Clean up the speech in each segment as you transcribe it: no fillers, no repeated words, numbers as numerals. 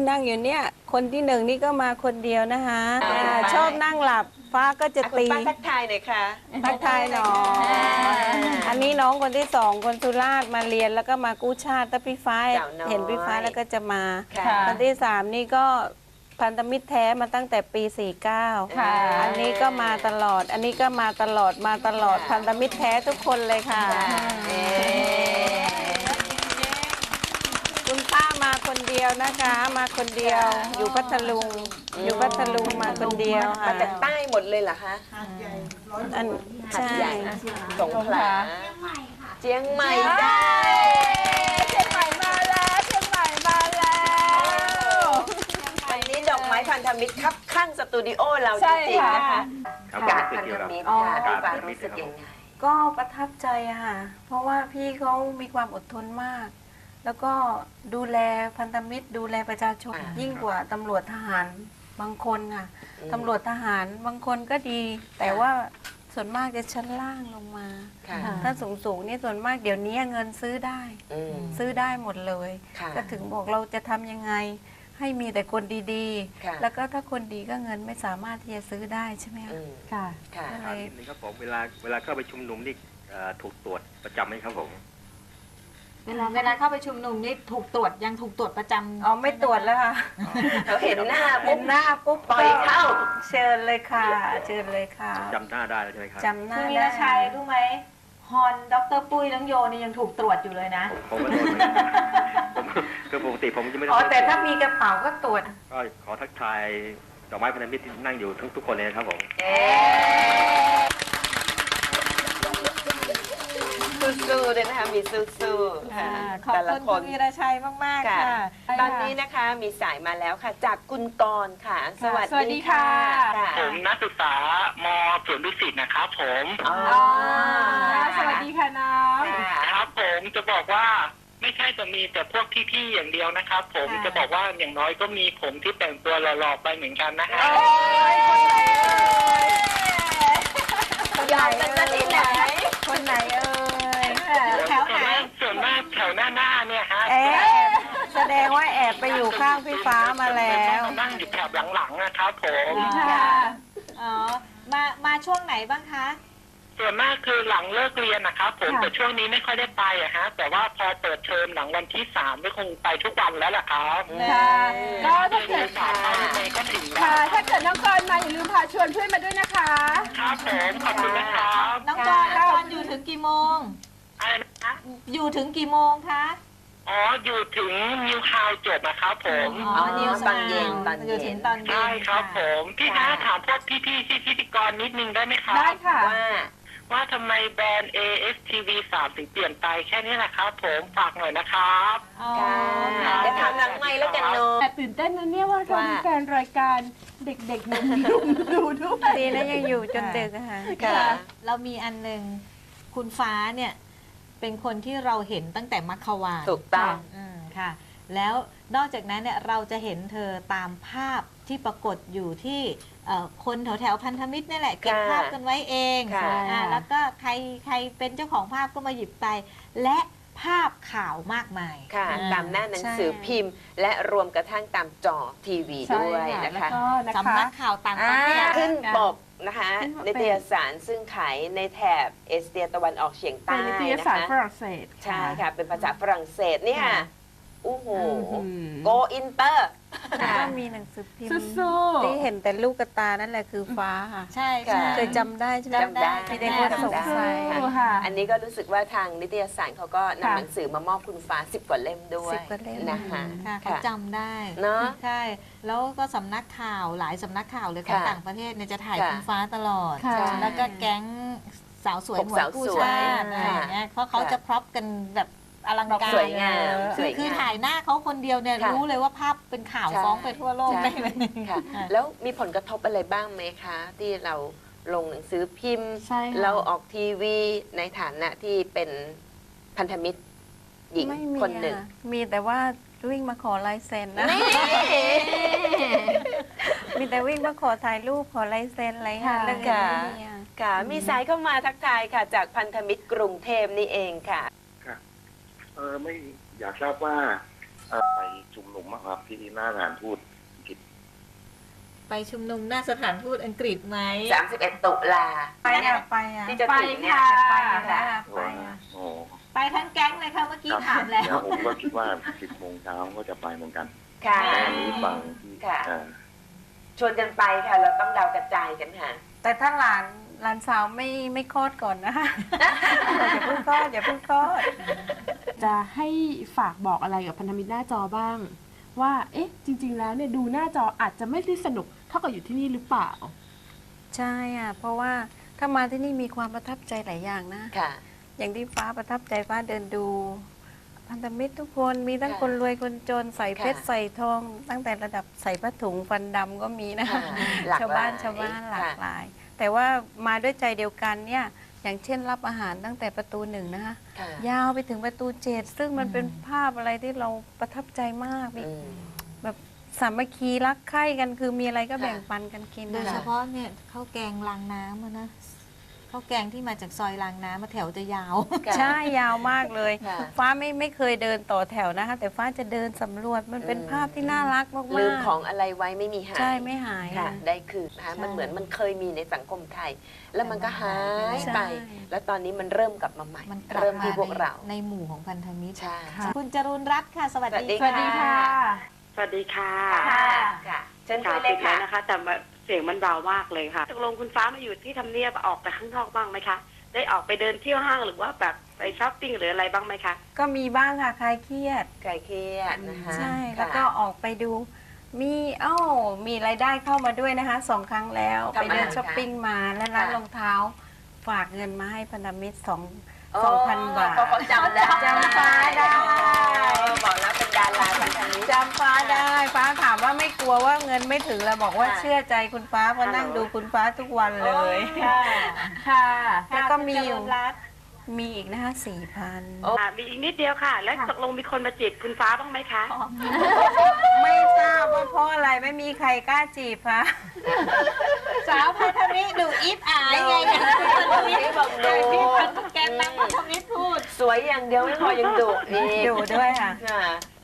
นั่งอยู่เนี่ยคนที่หนึ่งนี่ก็มาคนเดียวนะคะชอบนั่งหลับฟ้าก็จะตีคุณป้าทักทายหน่อยค่ะทักทายหน่อยอันนี้น้องคนที่สองคนสุราษฎร์มาเรียนแล้วก็มากู้ชาติถ้าพี่ฟ้าเห็นพี่ฟ้าแล้วก็จะมาคนที่สามนี่ก็พันธมิตรแท้มาตั้งแต่ปี 49อันนี้ก็มาตลอดอันนี้ก็มาตลอดพันธมิตรแท้ทุกคนเลยค่ะคุณป้ามาคนเดียวนะคะมาคนเดียวอยู่พัทลุงมาคนเดียวค่ะมาจากใต้หมดเลยเหรอคะอันใช่สงขลาเชียงใหม่ได้เชียงใหม่มาแล้ววันนี้ดอกไม้พันธมิตรครับข้างสตูดิโอเราจริงๆนะคะการพันธมิตรค่ะพี่ฟ้ารู้สึกยังไงก็ประทับใจอะค่ะเพราะว่าพี่เขามีความอดทนมากแล้วก็ดูแลพันธมิตรดูแลประชาชนยิ่งกว่าตำรวจทหารบางคนค่ะตำรวจทหารบางคนก็ดีแต่ว่าส่วนมากจะชั้นล่างลงมาถ้าสูงนี่ส่วนมากเดี๋ยวนี้เงินซื้อได้หมดเลยก็ถึงบอกเราจะทำยังไงให้มีแต่คนดีๆแล้วก็ถ้าคนดีก็เงินไม่สามารถที่จะซื้อได้ใช่ไหมคะอะไรนี่ครับผมเวลาเข้าไปชุมนุมนี่ถูกตรวจประจำไหมครับผมเวลาเข้าไปชุมนุมนี่ถูกตรวจยังถูกตรวจประจำอ๋อไม่ตรวจแล้วค่ะเราเห็นหน้าปุ๊บปล่อยเข้าเชิญเลยค่ะจำหน้าได้ใช่ไหมครับจำหน้าคุณวีรชัยรู้ไหมฮอนดร.ปุ้ยน้องโยนี่ยังถูกตรวจอยู่เลยนะผมก็โดนคือปกติผมจะไม่ได้แต่ถ้ามีกระเป๋าก็ตรวจก็ขอทักทายดอกไม้พันธมิตรที่นั่งอยู่ทุกคนเลยครับผมสู้ๆเลยนะคะมีสู้ๆค่ะขอบคุณคุณวีรชัยมากๆค่ะตอนนี้นะคะมีสายมาแล้วค่ะจากคุณกรณ์ค่ะสวัสดีค่ะผมนักศึกษาม.สวนดุสิตนะครับผมสวัสดีค่ะน้องครับผมจะบอกว่าไม่ใช่จะมีแต่พวกพี่ๆอย่างเดียวนะครับผมจะบอกว่าอย่างน้อยก็มีผมที่แต่งตัวหล่อๆไปเหมือนกันนะฮะยอมกันจะที่ไหนคนไหนส่วนมากแถวหน้าเนี่ยฮะแสดงว่าแอบไปอยู่ข้างพี่ฟ้ามาแล้วนั่งอยู่แถบหลังๆนะครับผมมาช่วงไหนบ้างคะส่วนมากคือหลังเลิกเรียนนะครับผมแต่ช่วงนี้ไม่ค่อยได้ไปอะฮะแต่ว่าพอเปิดเทอมหลังวันที่3ก็คงไปทุกวันแล้วล่ะครับก็ถ้าเกิดก็ถึงถ้าเกิดน้องกรมาอย่าลืมพาชวนเพื่อนมาด้วยนะคะครับผมขอบคุณนะครับน้องกรอยู่ถึงกี่โมงอยู่ถึงกี่โมงคะอยู่ถึงนิวฮาวจบนะครับผมนิวตอนเย็นอยู่ถึงตอนเย็นใช่ครับผมพี่นะถามพวกพี่ๆพิธีกรนิดนึงได้ไหมครับได้ค่ะว่าทำไมแบรนด์ ASTV 3 ถึงเปลี่ยนไปแค่นี้แหละครับผมฝากหน่อยนะครับจะทำหลังไมค์แล้วกันเนาะแต่ตื่นเต้นนะเนี่ยว่าเรามีแฟนรายการเด็กๆนุ่มๆดูด้วยดีนะยังอยู่จนดึกค่ะเรามีอันหนึ่งคุณฟ้าเนี่ยเป็นคนที่เราเห็นตั้งแต่มัคควานถูกต้องค่ะแล้วนอกจากนั้นเนี่ยเราจะเห็นเธอตามภาพที่ปรากฏอยู่ที่คนแถวพันธมิตรนี่แหละเก็บภาพกันไว้เองแล้วก็ใครเป็นเจ้าของภาพก็มาหยิบไปและภาพข่าวมากมายค่ะตามหน้าหนังสือพิมพ์และรวมกระทั่งตามจอทีวีด้วยนะคะสำนักข่าวต่างประเทศขึ้นปกนะคะนิตยสารซึ่งขายในแถบเอเชียตะวันออกเฉียงใต้นิตยสารฝรั่งเศสใช่ค่ะเป็นภาษาฝรั่งเศสเนี่ยโอ้โหโกอินเตอร์ก็มีหนังสือพิมพ์ที่เห็นแต่ลูกกระตานั่นแหละคือฟ้าค่ะใช่เคยจำได้ใช่ไหมจำได้ที่ได้คนสงสัยอันนี้ก็รู้สึกว่าทางนิตยสารเขาก็นำหนังสือมามอบคุณฟ้า10 กว่าเล่มด้วยนะคะเขาจำได้เนาะใช่แล้วก็สำนักข่าวหลายสำนักข่าวเลยของต่างประเทศเนี่ยจะถ่ายคุณฟ้าตลอดแล้วก็แก๊งสาวสวยหัวกู้ชาติอะไรอย่างเงี้ยเพราะเขาจะพร็อพกันแบบอลังการสวยงามคือถ่ายหน้าเขาคนเดียวเนี่ยรู้เลยว่าภาพเป็นข่าวฟ้องไปทั่วโลกได้เลยค่ะแล้วมีผลกระทบอะไรบ้างไหมคะที่เราลงหนังสือพิมพ์เราออกทีวีในฐานะที่เป็นพันธมิตรหญิงคนหนึ่งมีแต่ว่าวิ่งมาขอลายเซ็นนะมีแต่วิ่งมาขอถ่ายรูปขอลายเซ็นอะไรค่ะเรื่องนี้ค่ะมีสายเข้ามาทักทายค่ะจากพันธมิตรกรุงเทพนี่เองค่ะไม่อยากทราบว่าไปชุมนุมอะครับที่หน้าสถานทูตอังกฤษไปชุมนุมหน้าสถานทูตอังกฤษไหม 31 ตุลาไปอ่ะไปอ่ะที่จะถึงเนี่ยไปแล้วอ่ะไปอ่ะโอ้ไปทั้งแก๊งเลยค่ะเมื่อกี้ครับถามแล้วแล้วผมก็คิดว่า 10 โมงเช้าก็จะไปเหมือนกันค่ะแต่อันนี้ฟังที่ค่ะอ่าชวนกันไปค่ะ เราต้องดาวกระจายกันค่ะแต่ถ้าหลานสาวไม่คลอดก่อนนะคะ อย่าเพิ่งคลอดอย่าเพิ่งคลอดจะให้ฝากบอกอะไรกับพันธมิตรหน้าจอบ้าง ว่าเอ๊ะจริง ๆ แล้วเนี่ยดูหน้าจออาจจะไม่ได้สนุกเท่ากับอยู่ที่นี่หรือเปล่าใช่อ่ะเพราะว่าถ้ามาที่นี่มีความประทับใจหลายอย่างนะค่ะอย่างที่ฟ้าประทับใจฟ้าเดินดู พันธมิตรทุกคนมีทั้งคนรวยคนจนใส่เพชรค่ะใส่ทอง ตั้งแต่ระดับใส่ผ้าถุงฟันดำก็มีนะค่ะหลากชาวหลบ้าย นหลากหลาย แต่ว่ามาด้วยใจเดียวกันเนี่ยอย่างเช่นรับอาหารตั้งแต่ประตูหนึ่งนะคะค่ะยาวไปถึงประตู7ซึ่งมันเป็นภาพอะไรที่เราประทับใจมากมีอืมแบบสามัคคีรักใคร่กันคือมีอะไรก็ค่ะแบ่งปันกันกินโดยนะเฉคะพาะเนี่ยข้าวแกงรางน้ำอะนะข้าวแกงที่มาจากซอยรางน้ำมาแถวจะยาวค่ะใช่ยาวมากเลยค่ะฟ้าไม่เคยเดินต่อแถวนะคะ แต่ฟ้าจะเดินสำรวจมันเป็นอืมภาพที่น่ารักมากๆลืมของอะไรไว้ไม่มีหายใช่ไม่หายค่ะอะได้คืนนะคะใช่มันเหมือนมันเคยมีในสังคมไทย แล้วมันก็หายใช่ไป แล้วตอนนี้มันเริ่มกลับมาใหม่มันกลับเริ่มมาที่พวกเราในหมู่ของพันธมิตรใช่คุณจรุณรัตน์ค่ะ สวัสดีสวัสดีค่ะสวัสดีค่ะค่ะค่ะเชิญคุข่าวยเลติยดแล้ค่ะวนะคะ แต่เสียงมันเบามากเลยค่ะตกลงคุณฟ้ามาอยู่ที่ทำเนียบออกไปข้างนอกบ้างไหมคะ ได้ออกไปเดินเที่ยวห้างหรือว่าแบบไปช้อปปิ้งหรืออะไรบ้างไหมคะก็มีบ้างค่ะคลายเครียดไก่เครียดนะคะใช่ค่ะแล้วก็ออกไปดู มีมีรายได้เข้ามาด้วยนะคะ2 ครั้งแล้วทำไปเดินอะไรคะช้อปปิ้งมาและร้านค่ะรองเท้า ฝากเงินมาให้พันธมิตรโอ้ 2,000 บาทเขาจำได้จำฟ้าได้บอกแล้วเป็นดาราพันธมิตรจำฟ้าได้ฟ้าถามว่าไม่กลัวว่าเงินไม่ถึงแล้วบอกว่าค่ะเชื่อใจคุณฟ้าเพราะนั่งดูคุณฟ้าทุกวันเลยค่ะค่ะแล้วก็มีอยู่คุณจรุณรัตน์มีอีกนะคะ4,000 โอ้มีอีกนิดเดียวค่ะ แล้วตกลงมีคนมาจีบคุณฟ้าบ้างไหมคะไม่ทราบว่าเพราะอะไรไม่มีใครกล้าจีบคะสาวพันธมิตรดูอิฟอายไงอย่างที่พันธมิตรบอกดูที่แกนนำพันธมิตรพูดสวยอย่างเดียวไม่พอยังดุอีกอยู่ด้วยค่ะค่ะ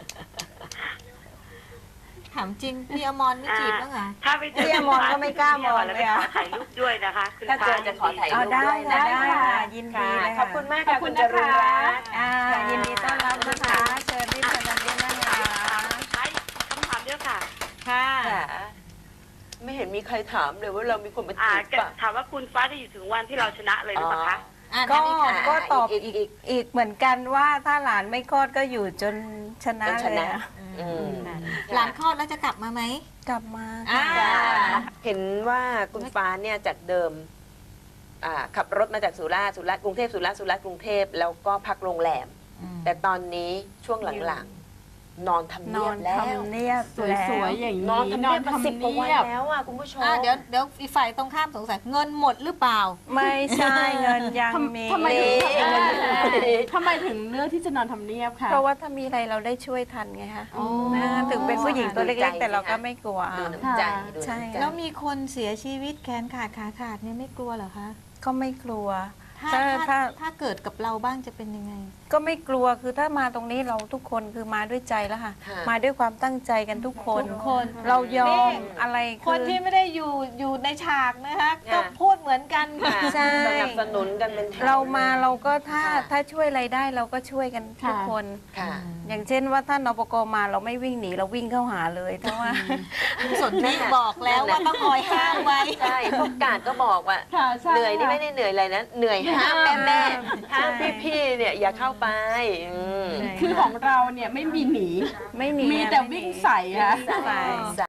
ถามจริงพี่อมรไม่จีบบ้างเหรอถ้าไปเจอพี่อมรก็ไม่กล้ามองแล้วเลไปยขอะอถ่ายรูปด้วยนะคะคุณถ้าฟ้าเจอจะขอถ่ายรูปได้ด้วยค่ะนะได้ค่ะยินดีค่ะเลยขอบคุณมากค่ะขอบคุคุณณจนะคะรุณรัตน์ยินดีต้อนรับนะคะเชิญที่พันธมิตรนะคะใช่คำถามเดียวค่ะค่ะค่ะ ไม่เห็นมีใครถามเลยว่าเรามีคนมาอ่าจีบป่ะถามว่าคุณฟ้าจะอยู่ถึงวันที่เราชนะเลยหรือเปล่าคะก็นั่นอีค่ะก็ตอบอีกอีกเหมือนกันว่าถ้าหลานไม่คลอดก็อยู่จนชนะจนชเลยนะอะอืมหลานคลอดแล้วจะกลับมาไหมกลับมาอ่าเห็นว่าคุณฟ้าเนี่ยจากเดิมขับรถมาจากสุราษฎร์กรุงเทพสุราษฎร์กรุงเทพแล้วก็พักโรงแรม แต่ตอนนี้ช่วงหลังๆ นอนทำนเนีอยบนแล้วทำเนียบสวยๆอย่างนอนนี้ทำเนียบมา10 กว่าวันแล้วอ่ะคุณผู้ชมเดี๋ยวอีกฝ่ายตรงข้ามสงสัยเงินหมดหรือเปล่าไม่ใช่เงินยังมีทำไมถึงนี่ทำไมถึงเลือกที่จะนอนทำเนียบคะเพราะว่าถ้ามีอะไรเราได้ช่วยทันไงคะอ๋อถึงเป็นผู้หญิงตัวดูใจเล็กๆ แต่เราสิคะก็ไม่กลัวดูน้ำใจดูใช่น้ำใจแล้วมีคนเสียชีวิตแขนขาดขาขาดเนี่ยไม่กลัวเหรอคะก็ไม่กลัวถ้าถ้าถ้าเกิดกับเราบ้างจะเป็นยังไงก็ไม่กลัวคือถ้ามาตรงนี้เราทุกคนคือมาด้วยใจแล้วค่ะค่ะมาด้วยความตั้งใจกันทุกคนทุกคนเรายอมนี่อะไรคนที่ไม่ได้อยู่ในฉากนะคะก็พูดเหมือนกันค่ะค่ะใช่สนับสนุนกันเป็นแถวเรามาเราก็ถ้าค่ะถ้าช่วยอะไรได้เราก็ช่วยกันทุกคนค่ะอย่างเช่นว่าถ้านปกมาเราไม่วิ่งหนีเราวิ่งเข้าหาเลยเพราะว่าคุณสนธิบอกแล้วว่าต้องคอยห้ามไว้ใช่พวกกาดก็บอกว่าค่ะใช่เหนื่อยนี่ไม่ได้เหนื่อยอะไรนะ เหนื่อยห้ามแม่ห้ามใช่พี่ๆเนี่ยอย่าเข้าไปอืมคือของเราเนี่ยไม่มีหนีไม่หนีมีแต่วิ่งใส่ค่ะใส่